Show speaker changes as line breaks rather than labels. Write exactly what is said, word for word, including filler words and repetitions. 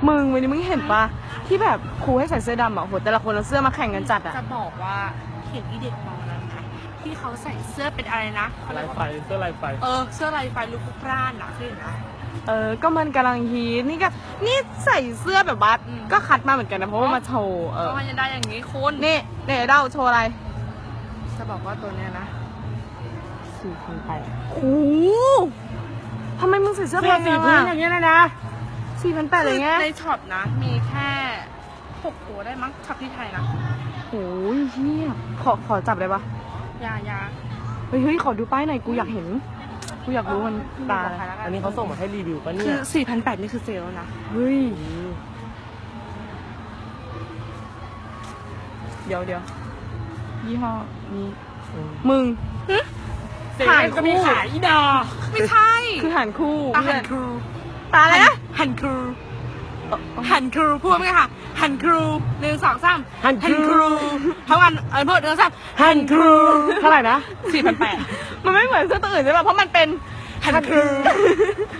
มึงวันนี้มึงเห็นปะที่แบบครูให้ใส่เสื้อดำอ่ะโหแต่ละคนเอาเสื้อมาแข่งกันจัดอ่ะ
จะบอกว่าเห็นอีเด็กมองนั้นนะที่เขาใส่เสื้อเป็นอะไรนะ
ลายไฟเสื้อลายไฟ
เออเสื้อลายไฟลูกพร่านนะคือนะ
เออก็มันกำลังฮิตนี่ก็นี่ใส่เสื้อแบบบัสก็คัดมาเหมือนกันนะเพราะว่ามาโชว์เออ
ก็มันจะได้อย่างนี้คุณ
นี่เนี่ยเด้าโชว์อะไร
จะบอกว่าตัวเนี้ยนะ
สี่พันแปดโอ้ทำไมมึงใส่เสื้อแพ
เสื้อง สี
จัง
พื้น
อ่ะ
อย่างเงี้ยนะนะ
สี่พันแปดเลยไง
ในช็อปนะ มีแค่หกตัวได้มั้งช็อปที่ไทยนะ
โอ้ยเฮียขอขอจับได้ปะ
ยายา
เฮ้ยเฮ้ยขอดูป้ายหน่อยกูอยากเห็นกูอยากรู้มันตาอะไร
อันนี้เขาส่งมาให้รีวิวปะเนี่
คื
ย
อสี่พันแปดนี่คือเซลล์นะ
เฮ้ยเดี๋ยวเดี๋ยวยี่ห้อนี้มึง
เสียงก็มีขายอีดอ
ไม่ใช่
คือหันคู่
ตาหันครู
ตาอะไรนะ
หันครูหันครูพูดไหมคะหันครูหนึ่งสองสาม
หันครู
ทั้งวันเออพูดหนึ่งสองสาม
หันครูเท่าไหร่นะ
สี่พันแปด
มันไม่เหมือนเสื้อตัวอื่นใช่ป่ะเพราะมันเป็น
หันครู